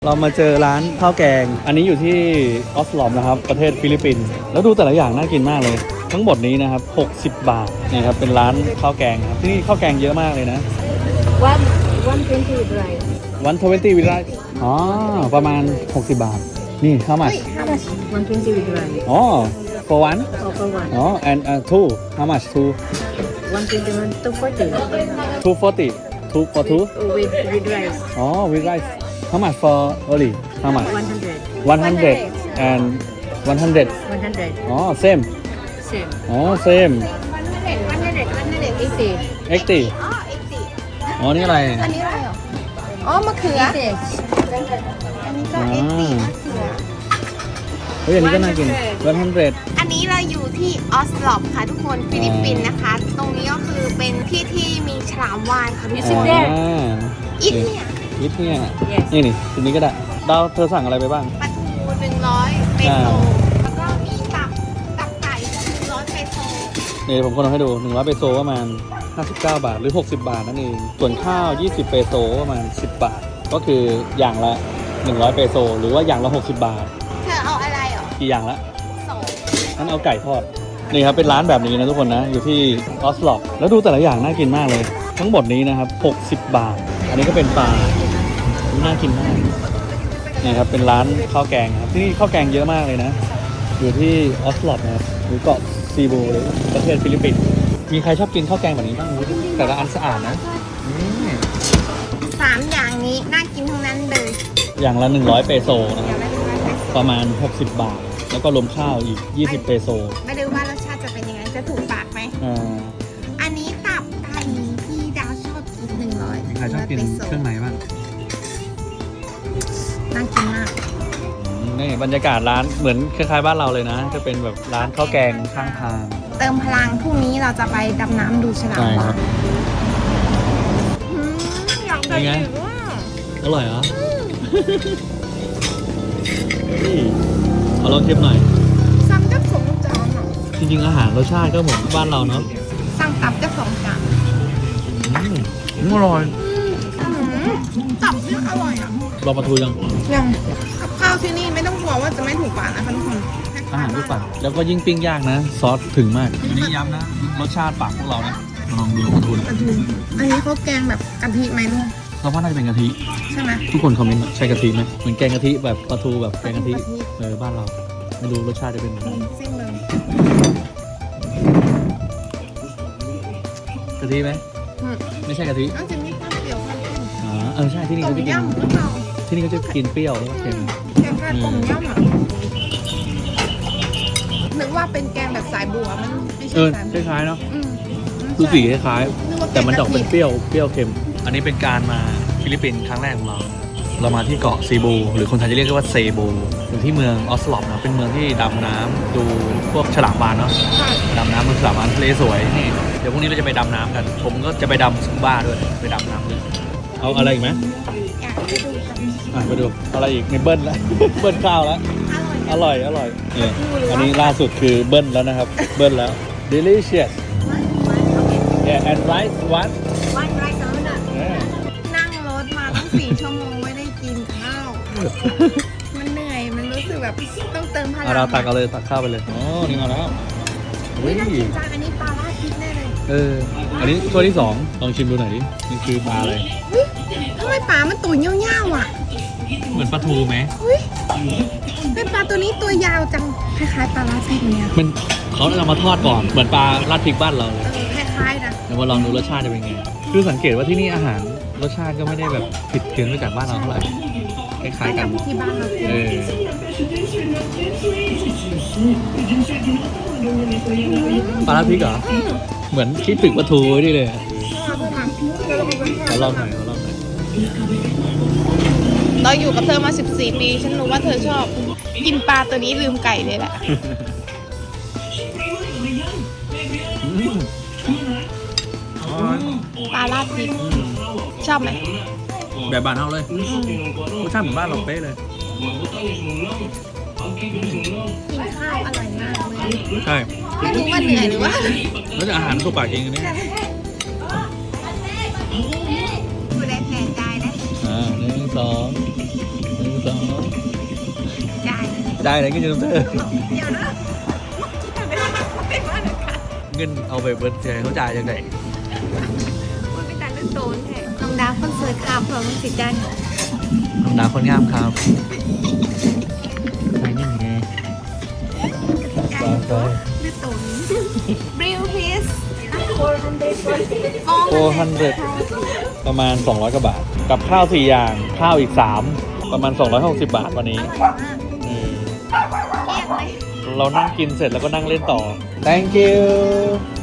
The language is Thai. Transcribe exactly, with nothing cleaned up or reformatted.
เรามาเจอร้านข้าวแกงอันนี้อยู่ที่ออสลอมนะครับประเทศฟิลิปปินส์แล้วดูแต่ละอย่างน่ากินมากเลยทั้งหมดนี้นะครับหกสิบบาทนี่ครับเป็นร้านข้าวแกงครับที่นี่ข้าวแกงเยอะมากเลยนะ one one twenty with rice วันทเวนตี้วิลไลอ๋อประมาณหกสิบบาทนี่ how much how much one twenty with rice อ๋อ for one or for one อ๋อ and uh, two how much two one twenty one two forty two forty two for two with with rice อ๋อ with rice how much for only how much one hundred one hundred and one hundred one hundred อ๋อ same same อ๋อ same one hundred one hundred one hundred eighty eighty อ๋อ นี่อะไรอันนี้อะไรเหรอ อ๋อ มะเขือ eighty อันนี้ก็อ่าเอ็กซ์ตีมะเขือเฮ้ยอันนี้ก็น่ากินone hundred อันนี้เราอยู่ที่ออสลอปค่ะทุกคน ฟิลิปปินส์นะคะ ตรงนี้ก็คือเป็นที่ที่มีฉลามวาฬค่ะทุกคนอ่าอินเนี่ยอิทเนี่ย yes นี่นี่ทีนี้ก็ได้ดาวเธอสั่งอะไรไปบ้างปลาทูหนึ่งร้อยเปโซอ่าแล้วก็มีตับ ตับไก่หนึ่งร้อยเปโซนี่ผมคนเอาให้ดูหนึ่งร้อยเปโซประมาณห้าสิบเก้าบาทหรือหกสิบบาทนั่นเองส่วนข้าวยี่สิบเปโซประมาณสิบบาทก็คืออย่างละหนึ่งร้อยเปโซหรือว่าอย่างละหกสิบบาทเธอเอาอะไรเหรอกี่อย่างละสองงั้นเอาไก่ทอดนี่ครับเป็นร้านแบบนี้นะทุกคนนะอยู่ที่ออสลอปแล้วดูแต่ละอย่างน่ากินมากเลย ทั้งหมดนี้นะครับหกสิบบาท อันนี้ก็เป็นปลาน่ากินมากนี่ครับเป็นร้านข้าวแกงครับที่นี่ข้าวแกงเยอะมากเลยนะอยู่ที่ออสลอปนะครับหรือเกาะซีบูหรือประเทศฟิลิปปินส์มีใครชอบกินข้าวแกงแบบนี้บ้างแต่ละอันสะอาดนะนี่สามอย่างนี้น่ากินทั้งนั้นเลยอย่างละหนึ่งร้อยเปโซนะอคย่ารับงละหนึ่งร้อยเปโซประมาณหกสิบบาท แล้วก็รวมข้าวอีกยี่สิบเปโซไม่รู้ว่ารสชาติจะเป็นยังไง จะถูกปากไหมอ่าอันนี้ตับไก่ที่ดาวชอบกินหนึ่งร้อยมีใครชอบกินเครื่องในบ้างน่ากินมากนี่บรรยากาศร้านเหมือนคล้ายๆบ้านเราเลยนะจะเป็นแบบร้านข้าวแกงข้างทางเติมพลังพรุ่งนี้เราจะไปดำน้ำดูฉลามใช่ครัวาบฬอืมอยากไปเป็นไงอีกว่าอร่อยเหรอเฮ้ยขอลองชิมหน่อยสั่งแค่สองจานอ่ะจริงๆอาหารรสชาติก็เหมือนบ้านเราเนาะสั่งตับแค่สองจานอืมอร่อยอืมตับเนี่ยอร่อยอ่ะลองมาทูยังยังกับข้าวที่นี่ไม่ต้องกลัวว่าจะไม่ถูกปากนะคะทุกคนอาหารทุกฝั่งแล้วก็ยิ่งปิ้งย่างนะ ซอสถึงมากอันนี้ย้ำนะรสชาติปากพวกเรานะลองดูมาทูกระทูอันนี้เขาแกงแบบกะทิไหมลูกเราว่าน่าจะเป็นกะทิใช่ไหมทุกคนคอมเมนต์ใช่กะทิไหมเหมือนแกงกะทิแบบปลาทูแบบแกงกะทิเออบ้านเราไม่รู้รสชาติจะเป็นยังไงซิ่งเลยกะทิไหมอืมไม่ใช่กะทิต้องจะมีข้าวเปรี้ยวข้าวเค็มอ๋อเออใช่ที่นี่ต้เขามจะกินยำหรือเปล่าที่นี่เขาจะกินเปรี้ยวแล้วก็เค็มแกงแค่ต้มยำอ่ะนึกว่าเป็นแกงแบบสายบัวมันไม่เอใช่อสายบัวคล้ายๆเนาะอืมดูสีคล้ายนึกว่าๆแต่มันจะออกเป็นกะทิเปรี้ยวเปรี้ยวเค็ม อันนี้เป็นการมาฟิลิปปินส์ครั้งแรกของเรา เรามาที่เกาะซีบูหรือคนไทยจะเรียกว่าเซบูอยู่ที่เมืองออสลอปนะเป็นเมืองที่ดำน้ำดูพวกฉลามวาฬเนาะใช่ดำน้ำบนฉลามวาฬทะเลสวยนี่เดี๋ยวพรุ่งนี้เราจะไปดำน้ำกัน ผมก็จะไปดำสกูบ้าด้วยไปดำน้ำด้วยเอาอะไรอีกไหมอยากไปดูกันอ่ะไปดูอะไรอีกในเบิ้ลแล้ว เบิ้ลข้าวแล้วอร่อยอร่อย อร่อยเนี่ยอันนี้ล่าสุดคือเบิ้ลแล้วนะครับ เบิ้ลแล้ว delicious yeah and rice one วันไรสำหรับ yeah นั่งรถมาตั้งสี่ชั่วโมงไม่ได้กินข้าว มันเหนื่อย มันรู้สึกแบบต้องเติมพลังเอาเราตักเอาเลยตักข้าวไปเลยอ๋อนี่เอาแล้วเฮ้ยน่ากินจังอันนี้ปลาราดพริกแน่เลยเอออันนี้ถ้วยที่สองลองชิมดูหน่อยดินี่คือปลาอะไรเฮ้ยทำไมปลามันตัวเงี้ยวๆอ่ะเหมือนปลาทูไหมเฮ้ยเป็นปลาตัวนี้ตัวยาวจัง คล้ายๆปลาราดพริกเนี่ยมันเขาเอามาทอดก่อนเหมือนปลาราดพริกบ้านเราเออคล้ายๆนะเดี๋ยวมาลองดูรสชาติจะเป็นไงคือสังเกตว่าที่นี่อาหารรสชาติก็ไม่ได้แบบผิดเพี้ยนไปจากบ้านเราเท่าไหร่คล้ายๆกันที่บ้านเรากินเออปลาราดพริกเหรอเหมือนคิดถึงปลาทูไว้ดิเลยขอลองหน่อยขอลองหน่อยเราอยู่กับเธอมาสิบสี่ปี ฉันรู้ว่าเธอชอบ กินปลาตัวนี้ลืมไก่เลยแหละอืมอร่อยปลาราดพริก ชอบไหมแบบบ้านเราเลยรสชาติเหมือนบ้านเราเป๊ะเลยกินข้าวอร่อยมากเลยใช่ไม่รู้ว่าเหนื่อยหรือว่าแล้วจะอาหารตัวปากเองอันนี้ดูแลแผนใจนะอ่าหนึ่งสองหนึ่งสองได้ได้เลยกินจนเธอเดี๋ยวนะไม่ว่าหนึ่งค่ะเงินเอาไปเบิร์ดเจเขาจ่ายยังไงมันเป็นการเล่นโตนแท้น้องดาวคนสวยครับเผื่อมึงสิจันน้องดาวคนงามครับไปนี่ไงใหญ่โตเล่นโตนบริวพีสโฟร์ฮันเดประมาณ สองร้อยกว่าบาท กับข้าวสี่อย่าง ข้าวอีก สาม ประมาณ สองร้อยหกสิบบาทวันนี้อร่อยมากอืมเกลี้ยงเลยเรานั่งกินเสร็จแล้วก็นั่งเล่นต่อ thank you